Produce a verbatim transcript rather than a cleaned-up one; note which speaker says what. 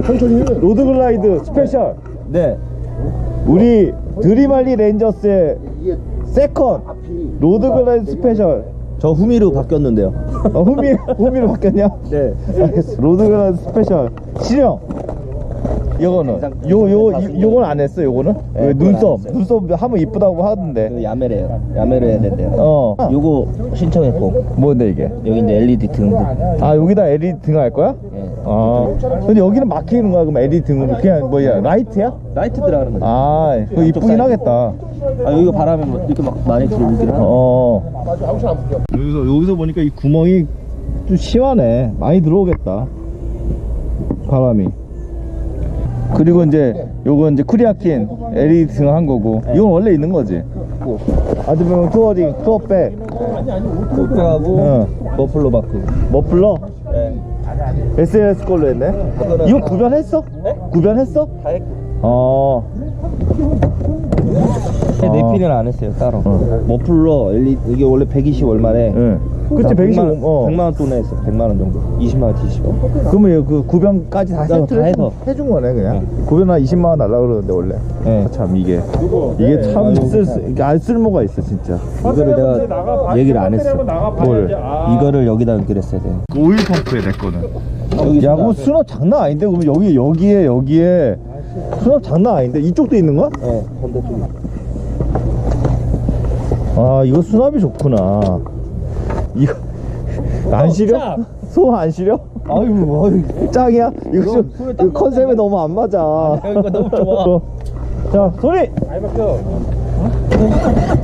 Speaker 1: 천천히 해.
Speaker 2: 로드글라이드 스페셜.
Speaker 3: 네.
Speaker 2: 우리 드림할리 렌저스의 세컨 로드글라이드 스페셜.
Speaker 3: 저 후미로 바뀌었는데요.
Speaker 2: 어, 후미, 후미로 바뀌었냐?
Speaker 3: 네.
Speaker 2: 알겠어. 로드글라이드 스페셜. 실형. 요거는 요, 요, 요, 요건 안 했어, 요거는?
Speaker 3: 네,
Speaker 2: 왜
Speaker 3: 그건
Speaker 2: 눈썹,
Speaker 3: 안 했어요.
Speaker 2: 눈썹 하면 이쁘다고 하던데.
Speaker 3: 그 야매래요. 야매로 해야 된대요.
Speaker 2: 어.
Speaker 3: 요거 신청했고,
Speaker 2: 뭔데, 이게?
Speaker 3: 여기 이제 엘이디 등등.
Speaker 2: 아, 여기다 엘이디 등 할 거야?
Speaker 3: 예.
Speaker 2: 아. 근데 여기는 막히는 거야, 그럼 엘이디 등으로. 그냥 뭐야, 라이트야?
Speaker 3: 라이트 들어가는 거죠.
Speaker 2: 아, 그거 이쁘긴 하겠다.
Speaker 3: 아, 여기가 바람이 뭐 이렇게 막 많이 들어오긴 하네.
Speaker 2: 어. 여기서, 여기서 보니까 이 구멍이 좀 시원해. 많이 들어오겠다. 바람이. 그리고 이제 요거 이제 쿠리아킨 엘이디 등 한 거고. 이건 원래 있는 거지. 아드명 투어링, 투어백.
Speaker 3: 코트하고
Speaker 2: 어.
Speaker 3: 머플러 바크.
Speaker 2: 머플러?
Speaker 3: 네.
Speaker 2: 에스엘에스 걸로 했네. 이거 구변했어?
Speaker 3: 네?
Speaker 2: 구변했어?
Speaker 3: 다 했고.
Speaker 2: 어.
Speaker 3: 내피는 안 했어요 따로.
Speaker 2: 어.
Speaker 3: 머플러 엘이디 이게 원래 백이십 얼마래.
Speaker 2: 응. 그치, 백이십오. 어.
Speaker 3: 백만 원 돈에 했어. 백만 원 정도. 이십만 원 뒤집어.
Speaker 2: 그러면 그 구변까지 다
Speaker 3: 다
Speaker 2: 세트를
Speaker 3: 해서.
Speaker 2: 해준 거네, 그냥.
Speaker 3: 네.
Speaker 2: 구변 한 이십만 원 달라고 그러는데, 원래.
Speaker 3: 네.
Speaker 2: 아, 참, 이게. 이게 참 쓸, 수- 이게 안 쓸모가 있어, 진짜.
Speaker 3: 이거를 내가 얘기를 안 했어.
Speaker 2: 뭘?
Speaker 3: 이거를 여기다 연결했어야 돼.
Speaker 2: 오일 펌프에 내 거는.
Speaker 3: 여기
Speaker 2: 야, 그럼 수납 장난 아닌데? 그럼 여기, 여기에, 여기에. 수납 장난 아닌데? 이쪽도 있는 거야?
Speaker 3: 네, 반대쪽에.
Speaker 2: 아, 이거 수납이 좋구나. 이거 안 시려? 소 안 시려?
Speaker 3: 아유, 아유.
Speaker 2: 짱이야? 이거 좀
Speaker 3: 손에
Speaker 2: 이거 컨셉에 너무 안 맞아.
Speaker 3: 이거 너무 좋아.
Speaker 2: 자, 소리.
Speaker 1: 많이 바뀌어.